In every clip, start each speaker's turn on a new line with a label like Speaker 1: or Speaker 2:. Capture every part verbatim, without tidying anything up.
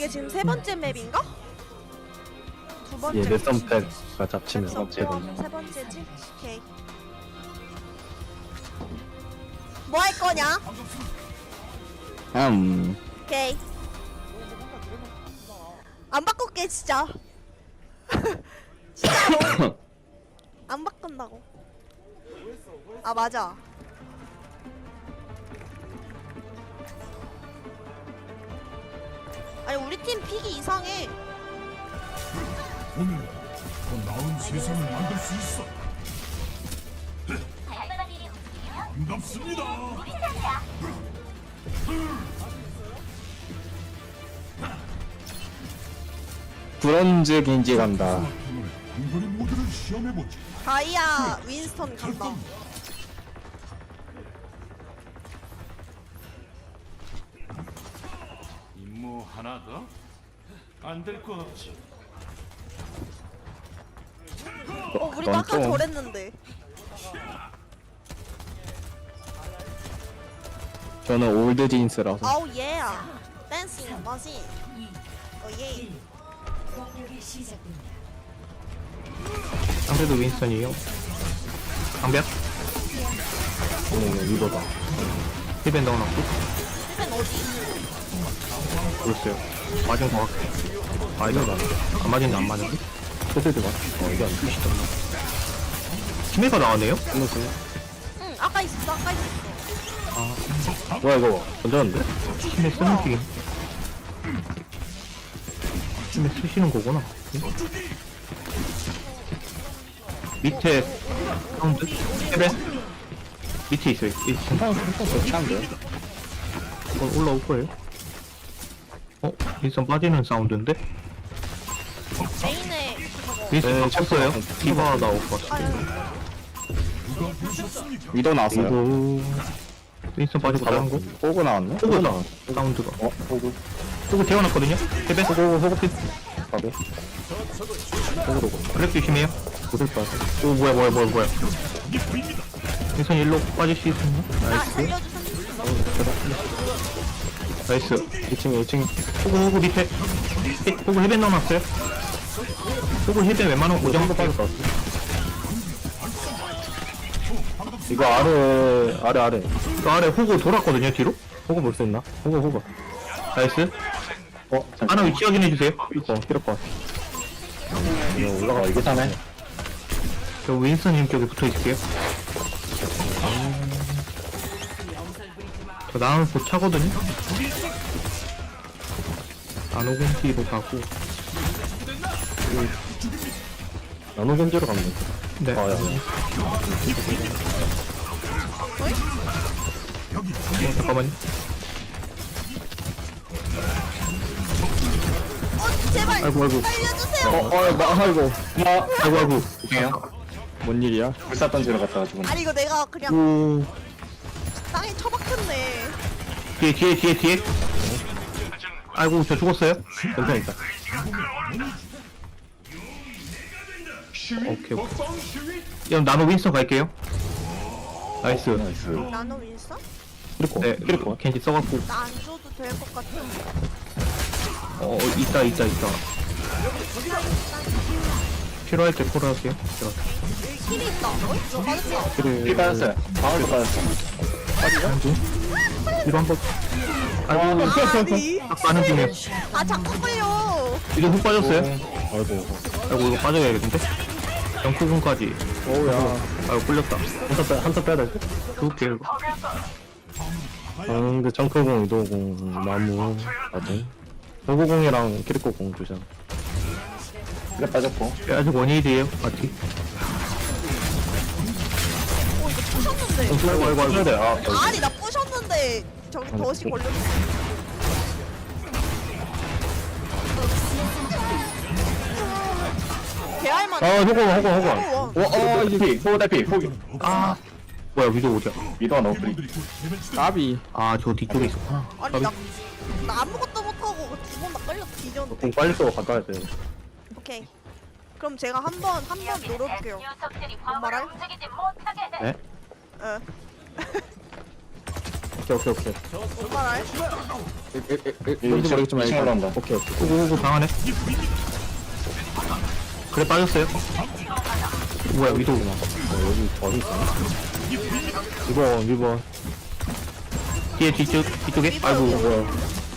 Speaker 1: 이게 지금 세 번째 맵인가? 두 번째.
Speaker 2: 예, 레선팩가 잡치면
Speaker 1: 세
Speaker 2: 없게
Speaker 1: 번째,
Speaker 2: 되네.
Speaker 1: 세 번째지? 오케이. 뭐 할 거냐?
Speaker 2: 음,
Speaker 1: 오케이. 안 바꿀게 진짜. 진짜로. 안 바꾼다고. 아 맞아. 아니 우리 팀 픽이 이상해.
Speaker 3: 오늘 더 나은 세상을 만들 수 있어. 반갑습니다.
Speaker 2: 브론즈 긴지 간다.
Speaker 3: 오늘 한거리 모드를 시험해보지.
Speaker 1: 다이아 윈스턴 간다.
Speaker 3: 임무 하나 더? 안 될 거 없지.
Speaker 1: 어 우리도
Speaker 2: 그건
Speaker 1: 아까
Speaker 2: 좀-
Speaker 1: 저랬는데.
Speaker 2: 저는 올드 진스라서.
Speaker 1: 아우 예. 댄스 머신. 어예.
Speaker 4: 상대도 윈스턴이에요. 방벽?
Speaker 2: 오, 이거다.
Speaker 4: 힐밴 넣어놨고.
Speaker 1: 힐벤 어디?
Speaker 4: 모르겠어요. 맞은 거 같아. 아, 이거 안 맞은데 안 맞은데?
Speaker 2: 소세드가? 어, 이게 안 쓰시다.
Speaker 4: 치매가 나왔네요?
Speaker 2: 끝났어요.
Speaker 1: 응 아까 있었어 아까 있었어.
Speaker 2: 뭐야, 이거. 던졌는데?
Speaker 4: 치매 쓰는 튀김. 치매 쓰시는 거구나. 밑에 사운드? 힐밴? 밑에 있어요. 이
Speaker 2: 한판, 한판 더 차는데요?
Speaker 4: 이건 올라올 거예요. 어? 윈스턴 빠지는 사운드인데?
Speaker 1: 메인에 저거.
Speaker 4: 윈스턴
Speaker 2: 네,
Speaker 4: 쳤어요?
Speaker 2: 쳤어요.
Speaker 4: 디바 나올 것 같아.
Speaker 1: 아유.
Speaker 2: 위도 나왔어요.
Speaker 4: 이거 윈스턴 빠지고 다른 거?
Speaker 2: 호그 나왔네?
Speaker 4: 호그다. 사운드가.
Speaker 2: 어, 호그.
Speaker 4: 호그 태어났거든요? 힐밴?
Speaker 2: 호그, 호그 핏. 가be. 호그로 고
Speaker 4: 블랙 조심해요.
Speaker 2: 고들 빠져.
Speaker 4: 오 뭐야 뭐야 뭐야 뭐야 윈선 일로 빠질 수 있었나?
Speaker 1: 아
Speaker 4: 나이스
Speaker 1: 살려주세요.
Speaker 4: 나이스
Speaker 2: 이 층에, 이 층에.
Speaker 4: 호구 호구 밑에 해- 호구 힐벤 넣어놨어요 호구 힐벤 웬만하면 고정
Speaker 2: 호그 빠졌다. 이거 아래, 아래, 아래.
Speaker 4: 그 아래 호구 돌았거든요 뒤로
Speaker 2: 호그 볼 수 있나? 호그, 호그.
Speaker 4: 나이스
Speaker 2: 어, 잠깐.
Speaker 4: 하나 위치 확인해주세요
Speaker 2: 어, 필요할 것 같아. 이거 올라가, 이게 사네.
Speaker 4: 저 윈선님 쪽에 붙어있을게요 저 나는 곧 차거든요 나노공기로 가고
Speaker 2: 나노 견제로 가면 돼.
Speaker 4: 네
Speaker 2: 아, 야.
Speaker 4: 어, 잠깐만요
Speaker 1: 어 제발.
Speaker 4: 아이고 아이고
Speaker 1: 살려주세요.
Speaker 2: 어, 어, 나, 아이고. 나,
Speaker 4: 아이고 아이고
Speaker 2: 죄송해요. 뭔 일이야? 불사 던지러 갔다 가지고.
Speaker 1: 아니 이거 내가 그냥
Speaker 4: 오
Speaker 1: 땅에 처박혔네.
Speaker 4: 뒤에 뒤에 뒤에 뒤에 아이고 저 죽었어요
Speaker 2: 괜찮아, 있다.
Speaker 4: 오케이 오케이 그럼 나노 윈스턴 갈게요 나이스
Speaker 2: 나이스.
Speaker 1: 나노 윈서?
Speaker 2: 그리고,
Speaker 4: 네
Speaker 2: 그리고.
Speaker 4: 겐지 써갖고
Speaker 1: 나 안 줘도 될 것 같아.
Speaker 4: 어 있다 있다 있다 필요할 때 콜할게요
Speaker 1: 여기 킬이 있다. 어? 맞았어.
Speaker 2: 그래. 피 빠졌어요. 방울도 빠졌어.
Speaker 4: 뒤로 한번 아이고
Speaker 1: 아니.
Speaker 4: 딱 빠는 중이야
Speaker 1: 아 자꾸 끌려.
Speaker 4: 이거 훅 빠졌어요?
Speaker 2: 아이고.
Speaker 4: 아이고 이거 빠져야겠는데? 영쿠군까지
Speaker 2: 어우야.
Speaker 4: 아이고 끌렸다
Speaker 2: 한타 빼, 한타 빼야 될 듯?
Speaker 4: 죽을게 이거
Speaker 2: 아, 근데 정크공, 이도공, 나무, 맞지? 호구공이랑 키리코공 주잖아. 그래 빠졌고.
Speaker 4: 아직 원일이에요 맞지?
Speaker 1: 어 이거 부셨는데.
Speaker 2: 아이고, 아이고, 아이고. 돼. 아,
Speaker 1: 아니 나 부셨는데 저기 덫이 걸렸어. 개알만.
Speaker 2: 아, 호구, 호구, 호구.
Speaker 1: 어,
Speaker 2: 와, 어, 이게 호구 대피, 호구.
Speaker 4: 아 뭐야 위도 어디야
Speaker 2: 미도가 너무 프리. 까비.
Speaker 4: 아 저 뒤쪽에 있었구나
Speaker 1: 아니 나, 나 아무것도 못하고 두 번 다 끌려 뒤졌는데.
Speaker 2: 공 빨리 쏘고 가까이 돼.
Speaker 1: 오케이. 그럼 제가 한 번 한 번 노려볼게요. 뭔 말할?
Speaker 2: 네?
Speaker 1: 어.
Speaker 2: 오케이 오케이 오케이.
Speaker 1: 못 말할.
Speaker 2: 뭔지 모르겠지만 일단 올라온다. 오케이 오케이.
Speaker 4: 호구 호구 방안에 그래 빠졌어요. 뭐야 위도구나.
Speaker 2: 어, 여기 저기 있어.
Speaker 4: 이번 이번 뒤에 뒤쪽 뒤쪽에 아이고 뭐야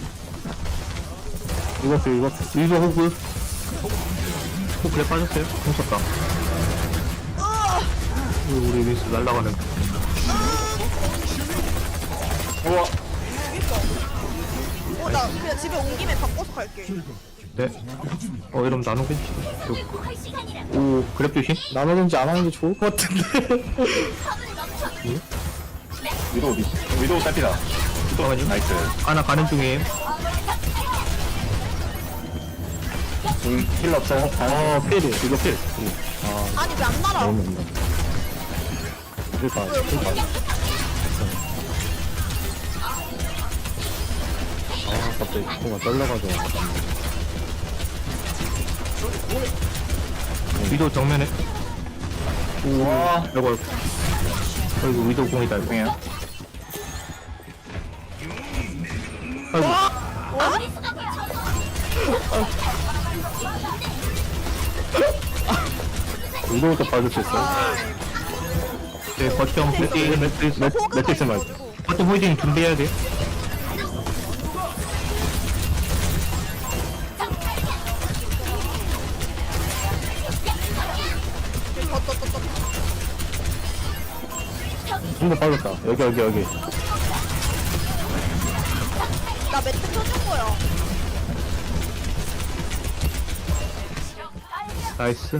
Speaker 2: 이것도 이것.
Speaker 4: 위도 호구 호구 그래 빠졌어요. 훔쳤다. 우리 우리 미스 날라가는.
Speaker 2: 우와.
Speaker 1: 어, 나 그냥 집에 온 김에 바꿔서 갈게.
Speaker 4: 네. 어 이러면 나누겠지. 오 그랩 조심.
Speaker 2: 나누는지 안 하는 게 좋을 것 같은데. 위도우 미. 위도우 딸피다.
Speaker 4: 잠깐만요.
Speaker 2: 나이스.
Speaker 4: 하나 가는 중이에요.
Speaker 2: 음, 힐 없어.
Speaker 4: 어 필이 이거 필.
Speaker 1: 아니 왜 안 날아?
Speaker 2: 너무 없네. 그러니까 그러니까. 아 갑자기 뭔가 떨려가지고.
Speaker 4: 위도 정면에.
Speaker 2: 우와.
Speaker 4: 이거 어이구 위도 공이다 이거.
Speaker 2: 뭐야?
Speaker 4: 아이고
Speaker 2: 위도우도 봐줄 수 있어.
Speaker 4: 네 거점 호이딩 매트리스
Speaker 1: 호그가
Speaker 2: 매트릭스 말.
Speaker 1: 있어가지고.
Speaker 4: 거점 호이딩 준비해야 돼.
Speaker 1: 덧덧덧덧.
Speaker 2: 한번 빠졌다. 여기 여기 여기.
Speaker 1: 나 매트 펴준 거야.
Speaker 4: 나이스.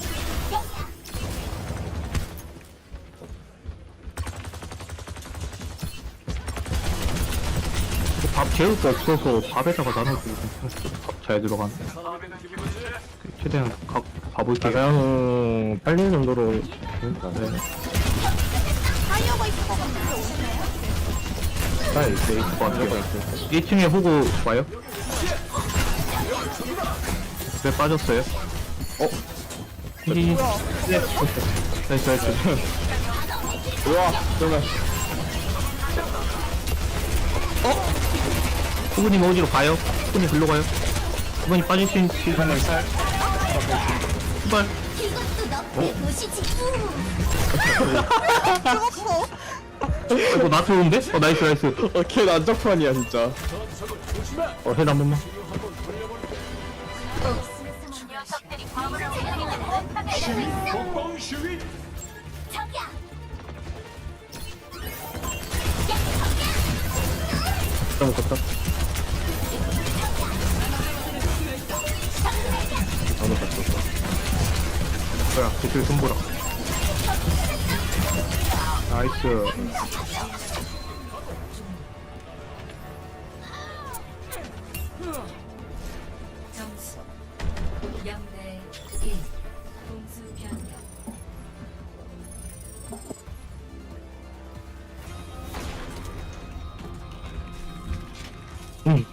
Speaker 4: 밥 재울 거 없어서 밥에다가 나눠주고 밥잘 들어간. 최대한 가, 가볼게요.
Speaker 2: 가장 팔리는 정도로. 그러니까.
Speaker 4: 네.
Speaker 1: 타이어가 있을 것 같은데 오시나요?
Speaker 2: 아 있어 있을
Speaker 4: 것 같아요. 일 층에 호구 와요? 왜 빠졌어요? 어? 이
Speaker 1: 뭐야?
Speaker 4: 나이스 나이스.
Speaker 2: 우와. 잠깐.
Speaker 4: 후보님 어디로 가요? 후보님 글로 가요? 후보님 빠질 수 있는
Speaker 2: 한명 살.
Speaker 4: 후발.
Speaker 1: 죽었어.
Speaker 4: 이거 나 좋은데? 어 나이스 나이스.
Speaker 2: 어, 걔 난장판이야 진짜.
Speaker 4: 어 헤드 한 번만.
Speaker 3: 공공 시위
Speaker 2: 좀 먹었다. 나도 봤어.
Speaker 4: 뭐야 저쪽에 손보라. 나이스.
Speaker 5: 점수 영 대 일. 공수 변경.
Speaker 2: 응.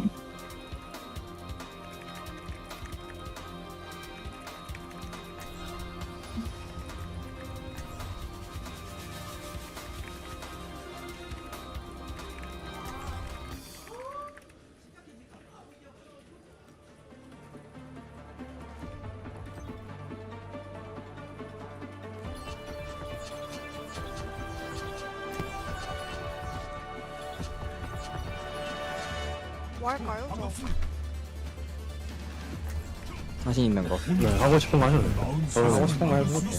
Speaker 1: 뭐 할까요? 저.
Speaker 2: 자신 있는 거. 네, 하고 싶은 거 하셔도 돼요. 저는 하고 싶은 거 해볼게요.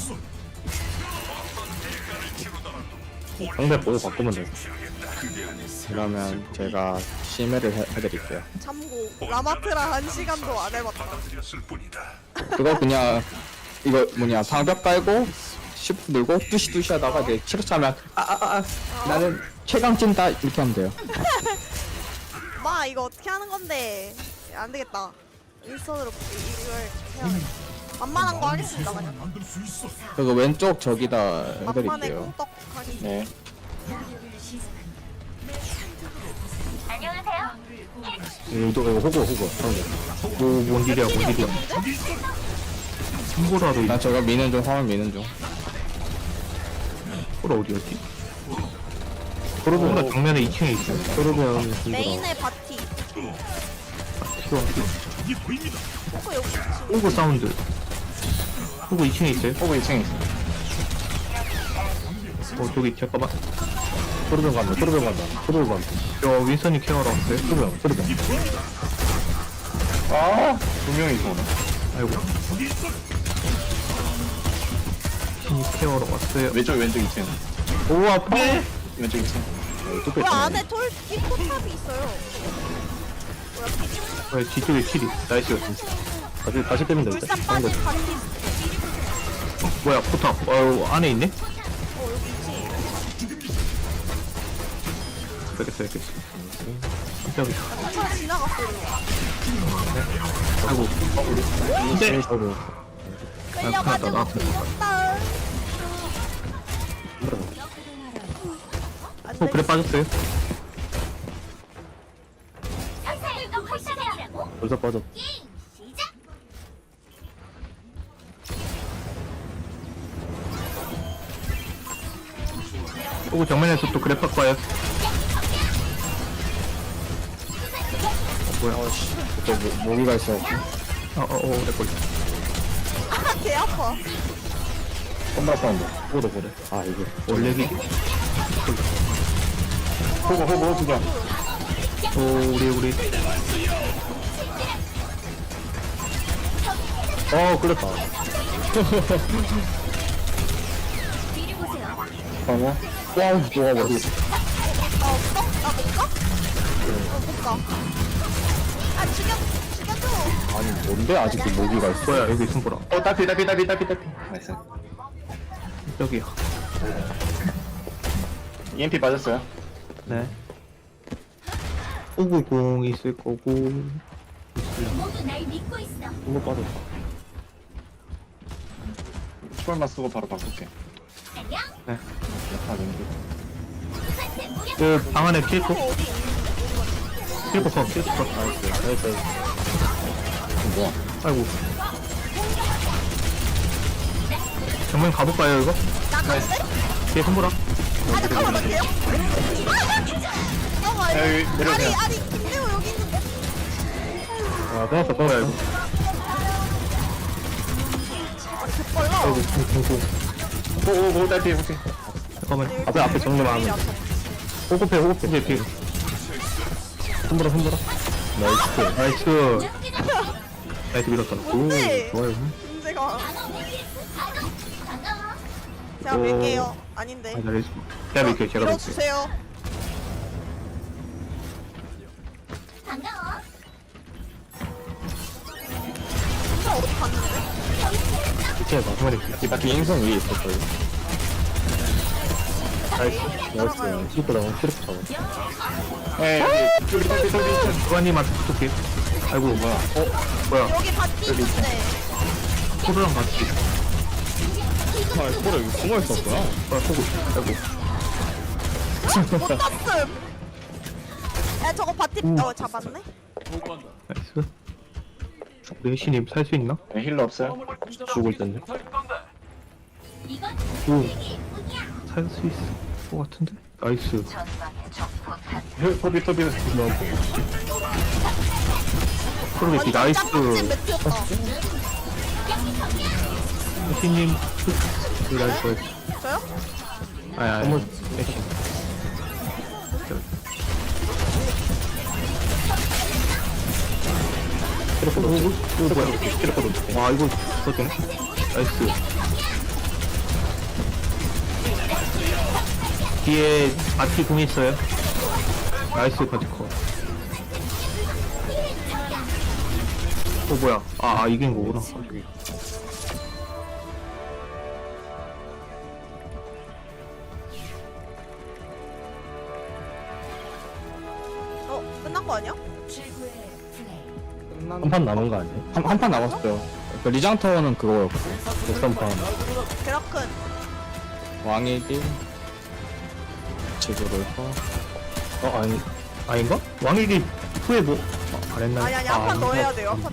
Speaker 2: 상대 보고 바꾸면 돼요. 그러면 제가 심해를 해, 해드릴게요.
Speaker 1: 참고 라마트라 한 시간도 안 해봤다.
Speaker 2: 그거 그냥 이거 뭐냐 방벽 깔고 시프트 누르고 뚜시뚜시 하다가 이제 치료차 하면 아아아 아, 아, 나는 최강 찐다 이렇게 하면 돼요.
Speaker 1: 마 이거 어떻게 하는 건데? 안 되겠다. 일선으로 이- 이걸 해야 돼. 만만한 거 하겠습니다 그냥.
Speaker 2: 그거 왼쪽 저기다
Speaker 1: 막판에
Speaker 2: 해드릴게요.
Speaker 1: 꽁떡 하기.
Speaker 2: 네. 이거 이거 호구 호구 상대.
Speaker 4: 뭐뭔 일이야 뭔 일이야. 손보라도
Speaker 2: 난 저거 미는 중 화면 미는 중.
Speaker 4: 손보라 어디였지? 토르비언 정면에 이 층에 있어요.
Speaker 2: 토르비언
Speaker 1: 메인의 바티.
Speaker 4: 키워.
Speaker 1: 포크 여기 있지.
Speaker 4: 오고 사운드. 오고 이 층에 있어요.
Speaker 2: 오버 이 층에 있어.
Speaker 4: 어 저기 잠깐만.
Speaker 2: 토르비언 간다. 토르비언 간다. 토르비언 간다.
Speaker 4: 저 윈선이 케어하러 왔어요.
Speaker 2: 토르비언 토르비언. 아, 두 명이 있어.
Speaker 4: 아이고. 윈선이 케어하러 왔어요.
Speaker 2: 왼쪽 왼쪽 이 층.
Speaker 4: 오 아파.
Speaker 2: 왼쪽 이 층. 뚝배
Speaker 1: 왜 안에 돌 뒷포탑이 있어요?
Speaker 4: 왜 뒤쪽에 킬이. 나이스.
Speaker 2: 다시 다시 때면 되겠다.
Speaker 1: 불산 빠진 바티.
Speaker 4: 뭐야 포탑. 어 안에 있네.
Speaker 1: 어 여기 있지.
Speaker 4: 알겠어 알겠어. 깜짝이야.
Speaker 1: 차 지나갔어.
Speaker 4: 아이고. 근데
Speaker 1: 끌려가지고
Speaker 4: 나
Speaker 1: 뒤졌다. 안
Speaker 4: 어 그래 빠졌어요.
Speaker 2: 벌써 빠져.
Speaker 4: 오고 정면에서 또 그래 빡 봐요.
Speaker 2: 뭐야? 어씨. 또 모- 모기가 있어.
Speaker 4: 어어어 그래 걸려.
Speaker 1: 아, 개 아파.
Speaker 2: 썸바 사운드. 보도 보래. 아 이거.
Speaker 4: 원래기.
Speaker 2: 호구 호구 호구 좀.
Speaker 4: 오 우리 우리.
Speaker 2: 어 그랬다. 아니야? 와 뭐가 뭐지?
Speaker 1: 아 없어? 나 못 가? 어못 가. 아 죽여 죽여줘.
Speaker 2: 아니 뭔데 아직도 모기가 있어?
Speaker 4: 뭐야 여기 숨보라.
Speaker 2: 어 따피 따피 따피 따피 따피. 나이스.
Speaker 4: 여기야.
Speaker 2: 이엠피 빠졌어요?
Speaker 4: 네. 오구 공 있을 거고.
Speaker 5: 모두 날 믿고 있어.
Speaker 2: 이거 빠졌어. 추월만 쓰고 바로 바꿀게.
Speaker 5: 안녕.
Speaker 4: 네.
Speaker 2: 아 렌즈.
Speaker 4: 그 방 안에 킬코.
Speaker 1: 어, 어디?
Speaker 4: 킬코 컷. 킬코 컷.
Speaker 2: 나이스 나이스. 뭐야?
Speaker 4: 아이고. 정면 가볼까요 이거?
Speaker 1: 나갔대?
Speaker 4: 뒤에 손보라.
Speaker 1: 아 잠깐만 나 돼요? 아
Speaker 2: 야, 여기
Speaker 1: 아니
Speaker 2: 내려오세요.
Speaker 1: 아니 김대호 여기 있는데?
Speaker 2: 아 떠났어 떠났어 이거.
Speaker 1: 아 개빨라.
Speaker 2: 오오오 딸피 혹시?
Speaker 4: 잠깐만.
Speaker 2: 앞에 앞에 정리만 하면. 호흡해 호흡해.
Speaker 4: 뒤에 뒤에.
Speaker 2: 손보라 손보라. 나이스.
Speaker 4: 나이스. 나이스 밀었다.
Speaker 1: 뭔데?
Speaker 2: 좋아요.
Speaker 1: 문제가 제가
Speaker 4: 오.
Speaker 1: 밀게요. 아닌데.
Speaker 4: 아 잘했어. 제가 밀게요. 제가 밀게요.
Speaker 1: 밀어주세요.
Speaker 5: 반가워.
Speaker 1: 진짜 어디 갔는데?
Speaker 2: 기체에 봐. 정말 이 비행선 위에 있을 거예요. 나이스. 나이스. 시프트 나온 시프트 잡아. 에이 여기 딸피 딸피.
Speaker 4: 주관님한테 부탁해. 아이고 뭐야. 어 뭐야.
Speaker 1: 여기 바티 있는데.
Speaker 4: 코르랑 같이.
Speaker 2: 아 뭐라 여기 숨어 있었구나.
Speaker 4: 아 호구. 아이고.
Speaker 1: 못 땄음. 야 저거 바티 어 잡았네?
Speaker 4: 나이스. 우리 해시님 살 수 있나?
Speaker 2: 네, 힐러 없어요? 죽을 텐데.
Speaker 5: 이건
Speaker 4: 오.
Speaker 5: 이게 뿐이야.
Speaker 4: 살 수 있을 것 같은데? 나이스.
Speaker 2: 토비 토비.
Speaker 4: 코르베티 나이스.
Speaker 1: 짱멋진 매트였다.
Speaker 4: 해시님. 그 나이스.
Speaker 1: 저요?
Speaker 4: 아니 아니. 해시. 이거 뭐야? 와 이거 써주네. 나이스. 뒤에 바티 공 있어요. 나이스 바티 컷. 어 뭐야? 아, 아 이긴 거구나.
Speaker 1: 어 끝난 거 아니야?
Speaker 5: 최고의 플레이.
Speaker 2: 한 판 남은 거 아니에요? 한 한 판 남았어요. 그 리장터는 그거였고. 역삼판.
Speaker 1: 그렇군.
Speaker 2: 왕에게 제조를 해.
Speaker 4: 어 아니 아닌가? 왕일기 후에 뭐 아, 안 했나?
Speaker 1: 아니 아니 한 판 더 해야 돼요. 한 판